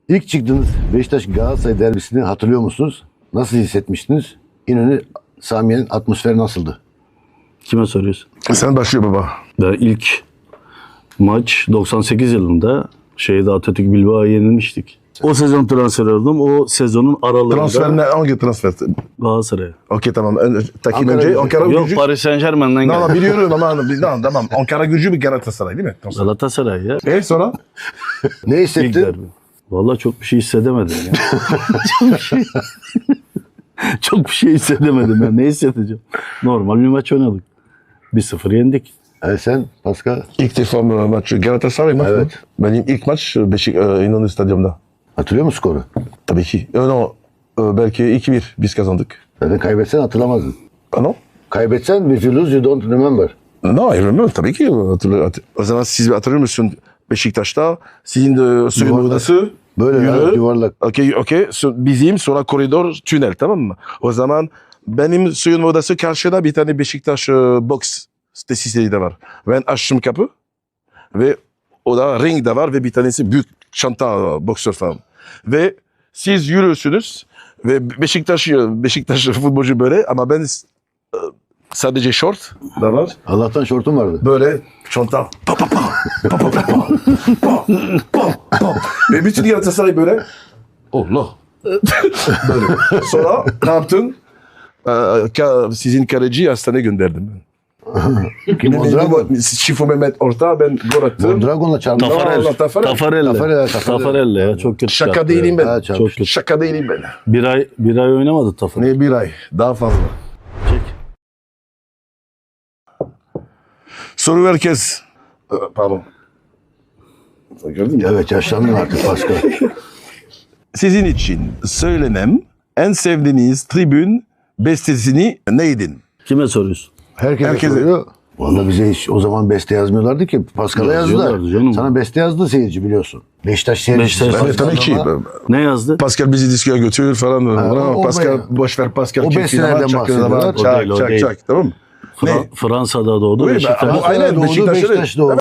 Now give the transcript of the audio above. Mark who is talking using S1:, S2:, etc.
S1: İlk çıktığınız Beşiktaş Galatasaray derbisini hatırlıyor musunuz? Nasıl hissetmiştiniz? İnönü Samiye'nin atmosferi nasıldı?
S2: Kime soruyorsun?
S3: Sen başlıyor baba.
S2: Ben ilk maç 98 yılında Atatürk Bilbao'ya yenilmiştik. O sezon transfer oldum. O sezonun aralığında
S3: Transfer ne? Hangi transfer?
S2: Galatasaray'a.
S3: Okey tamam. Takin
S1: Ankara
S3: önce
S1: gücü.
S3: Ankara
S2: Yok,
S3: gücü.
S2: Paris Saint-Germain'den
S3: Tamam
S2: geldi.
S3: biliyorum ama tamam. Ankara gücü bir Galatasaray değil mi? Tamam.
S2: Galatasaray ya.
S3: Sonra?
S1: Ne
S2: İlk
S1: hissettin?
S2: derbi. Vallahi çok bir şey hissedemedim ya. Çok bir şey hissedemedim ben. Ne hissedeceğim? Normal bir maç oynadık. 1-0 yendik.
S1: Sen Pascal
S3: İlk defa maç Galatasaray maçı.
S1: Evet.
S3: Benim ilk maç İnönü Stadyum'da.
S1: hatırlıyor musun skoru?
S3: Tabii ki. Belki 2-1 biz kazandık.
S1: Zaten kaybetsen hatırlamazdın.
S3: No?
S1: Kaybetsen if you lose you don't remember.
S3: No, I remember. Tabii ki. O zaman siz hatırlıyor musun Beşiktaş'ta? Sizin de suyun
S1: Yuvarlak.
S3: odası.
S1: Böyle
S3: Yürü.
S1: yuvarlak.
S3: Okey. Bizim sonra koridor tünel tamam mı? O zaman benim suyun odası karşıda bir tane Beşiktaş box tesisleri de var. Ben açtım kapı ve o da ring de var ve bir tanesi büyük çanta boksör falan. Ve siz yürüyorsunuz ve Beşiktaş futbolcu böyle ama ben sadece short da var.
S1: Allah'tan şortum vardı.
S3: Böyle çanta pa pa pa pa pa pa pa pa pa ve bütün Galatasaray böyle Allah böyle. Sonra ne yaptın? Sizin kaleci hastaneye gönderdim ben.
S1: Mondragon.
S3: Şifo Mehmet orta ben gol attım.
S1: Mondragon'la çarptı.
S2: Tafarel.
S3: Allah,
S2: Tafarelle.
S1: Tafarel.
S2: Tafarelle ya. Çok kötü.
S3: Şaka
S2: çarptı
S3: değilim
S2: ya.
S3: ben.
S1: Çok
S2: Çok kötü.
S3: Şaka değilim ben.
S2: Bir ay oynamadı Tafarel.
S3: Ne bir ay? Daha fazla.
S2: Çek.
S3: Soru herkes. Pardon. Gördün mü?
S1: Evet yaşlandın artık Pascal.
S3: Sizin için söylenen en sevdiğiniz tribün bestesini neydin?
S2: Kime soruyorsun?
S1: Herkese soruyor. Vallahi bize hiç o zaman beste yazmıyorlardı ki. Pascal'a yazdılar.
S2: Yazıyorlardı canım.
S1: Sana beste yazdı seyirci biliyorsun. Beşiktaş seyircisi.
S2: Beşiktaş-
S3: Ben tabii ki.
S2: Ne yazdı?
S3: Pascal bizi diskoya götürür falan.
S1: o
S3: Pascal
S1: bayağı.
S3: boş ver Pascal.
S1: O
S3: kim
S1: bestelerden
S3: sinema, çakır
S1: bahsediyorlar.
S3: zaman,
S2: O değil, o değil.
S3: Tamam mı? Ne?
S2: Fransa'da doğdu.
S3: Bu
S2: Beşiktaş.
S3: aynen
S1: Doğdu,
S3: Beşiktaş'ta.
S1: Beşiktaş'ta oldu.